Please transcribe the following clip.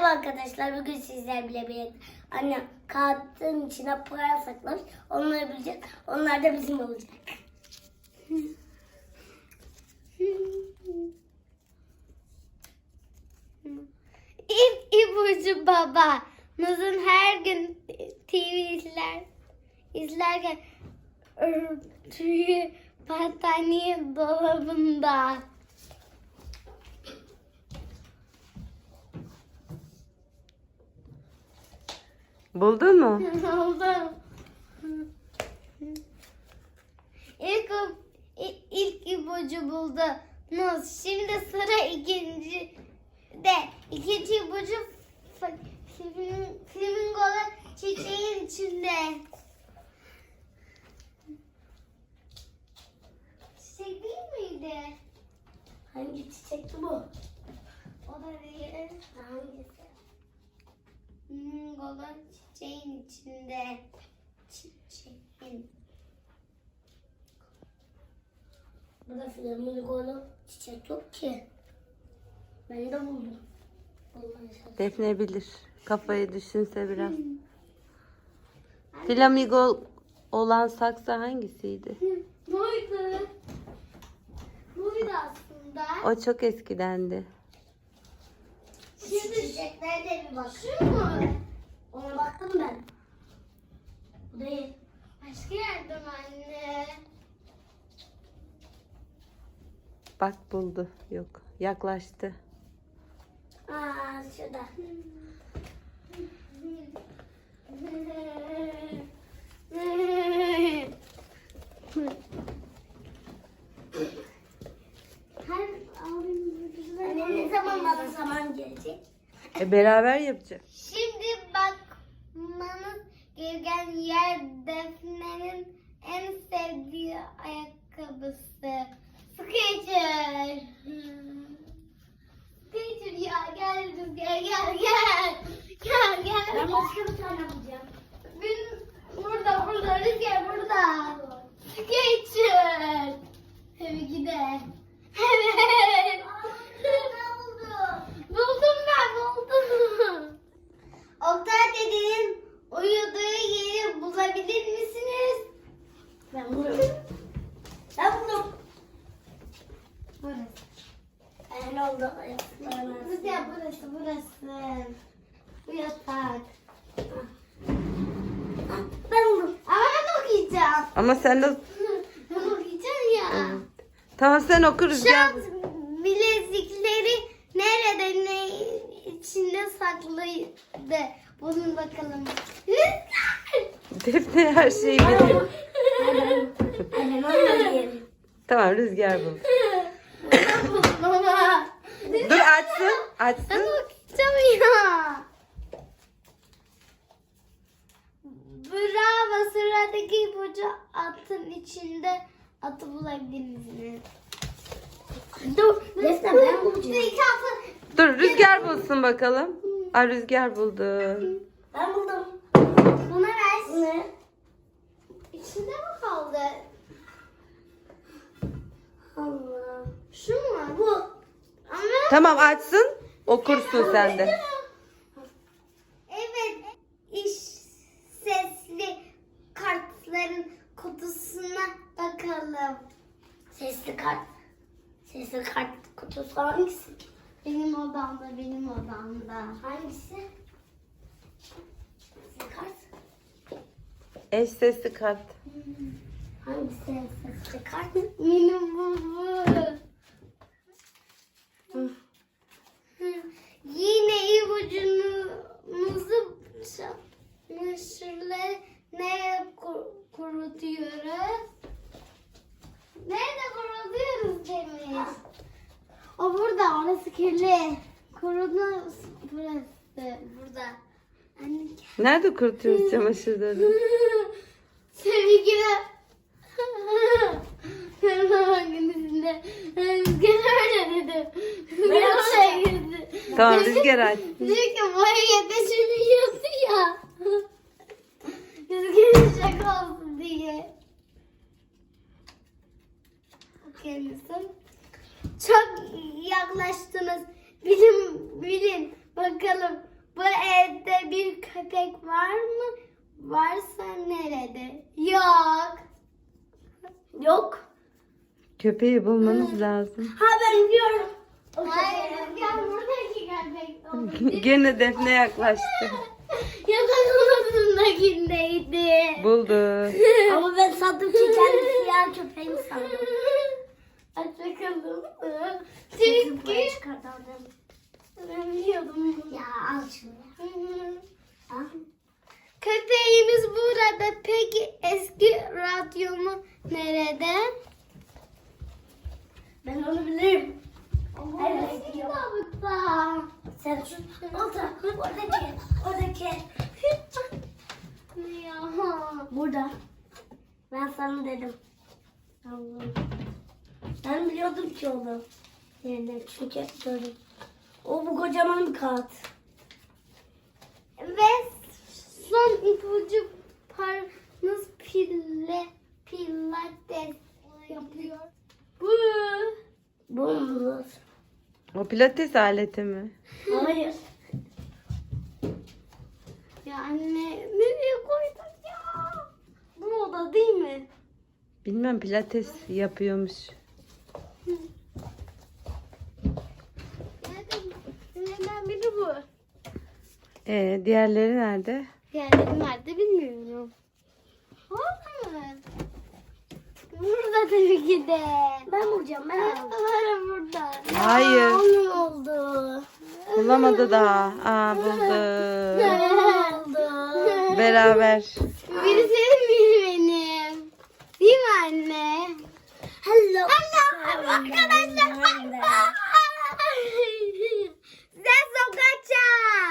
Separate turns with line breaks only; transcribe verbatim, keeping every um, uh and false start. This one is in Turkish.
Merhaba arkadaşlar. Bugün sizler bile birlikte annem kağıtın içine para saklamış. Onları bileceğiz. Onlar da bizim olacak.
İlk ipucu babamızın her gün T V izler izlerken örtüyü battaniye dolabında.
Buldun mu?
Oldu. İlk, i- ilk ipucu buldunuz. Şimdi sıra ikinci de. İkinci ipucu f- flamin- flamingolar çiçeğin içinde. Çiçek değil miydi?
Hangi çiçekti bu?
O da değil.
Hangisi?
Flamingolar çiçeğin içinde. Çiçeğin.
Burada flamingolu çiçek yok ki. Ben de buldum. Bulmaya çalıştım.
Defne bilir. Kafayı düşünse biraz. Flamingo olan saksı hangisiydi?
Buydu. Buydu aslında.
O çok eskidendi.
Şimdi
Çiçeklere bir bak.
şu mu?
Ona baktım ben. Bu değil.
Başka yerde mi anne?
Bak buldu. Yok. Yaklaştı.
Aa şurada.
Her abim güzel.
Annem ne zaman bana zaman gelecek?
E beraber yapacak.
Şimdi bakmanız gereken yer Defne'nin en sevdiği ayakkabısı. Skechers. Skechers ya gel Rüzgar gel gel. Gel gel.
Ben başka bir tane bulacağım.
Bin, burada burada Rüzgar burada. Skechers. Tabii ki de. Evet.
Ne buldum?
Buldum ben buldum. Oktay dedenin uyuduğu yeri bulabilir misiniz?
Ben buldum. Ben buldum.
Burası.
Ben oldu.
Rüzgar burası burası. Bu yatak.
Ben buldum.
Ama ben okuyacağım.
Ama sen de...
Ben okuyacağım ya.
Tamam sen oku Rüzgar.
Şans bilezikleri nerede ne içinde saklıydı? Bulun bakalım. Rüzgar!
Defne her şeyi biliyor.
Annem onu diyelim.
Tamam Rüzgar bul.
Ben buldum ama.
Dur açsın.
Ben
Açsın.
okuyacağım ya. Bravo, sıradaki ipucu atın içinde atı bulabilir misiniz?
Dur. Defne ben bulacağım.
İki atı.
Dur Rüzgar bulsun bakalım. Aa Rüzgar buldu.
Ben buldum.
Buna ver.
Ne?
İçinde mi kaldı?
Allah.
Şu mu? Bu. Ama
Tamam açsın. Okursun sen de.
evet, iş sesli kartların kutusuna bakalım.
Sesli kart. Sesli kart kutusu hangisi?
Benim odamda, benim odamda.
Hangisi? Sesli kart.
Eş sesli kart.
Hangisi sesli kart?
Benim bu bu.
Hı.
Yine ipucunuzu çamaşırları nereye kur- kurutuyoruz? Nerede kurutuyoruz Demir? O burada, orası kirli. Kurudu burası, burada. Anne gel.
Nerede kurutuyoruz çamaşırları?
Tabii ki de. Hangisinde? Rüzgar öyle dedi. Rüzgar oraya girdi.
Tamam Rüzgar aç.
Diyor ki buraya düşünüyordu ya. Rüzgar'ın şaka olsun diye. Okey misin? Çok yaklaştınız. Bilin, bilin. Bakalım köpek var mı? Varsa nerede? Yok.
Yok.
Köpeği bulmanız lazım.
Ha ben biliyorum. O
Hayır,
köpeği.
Rüzgar buradaki köpek olabilir.
Gene Defne yaklaştı.
Yatak odasındakindeydi.
Buldu.
Ama ben sandım ki kendi siyah köpeğini sandım.
Aç bakalım.
Çünkü
Çünkü
çıkartalım.
ben biliyordum bunu.
Ya al şunu. Al.
Köpeğimiz burada. Peki eski radyomu nerede?
Ben onu bilirim.
Evet.
Evet.
Kitabıkta.
Sen şu orada, oradaki, oradaki.
Ya.
Burada. Ben sana dedim. Allah'ım. Ben biliyordum ki onu. Yani çünkü gördüm. O bu kocaman bir kağıt.
Ve son ipucu paranız pille pilates yapıyor. Bu.
Bu mu?
O pilates aleti mi?
Hayır.
Ya anne nereye koydun ya? Bu oda değil mi?
Bilmem, pilates yapıyormuş.
Nereden, nereden biri bu?
Ee, diğerleri nerede?
Diğerleri nerede bilmiyorum. Orada mı? Burada tabii ki de.
Ben bulacağım. Ben aldım.
Var burada.
Hayır.
Ne oldu?
Bulamadı daha. Aa, buldu.
Ne oldu?
Beraber.
Biri senin biri benim. Değil mi anne?
Hello.
Hello arkadaşlar. Sen sokakça.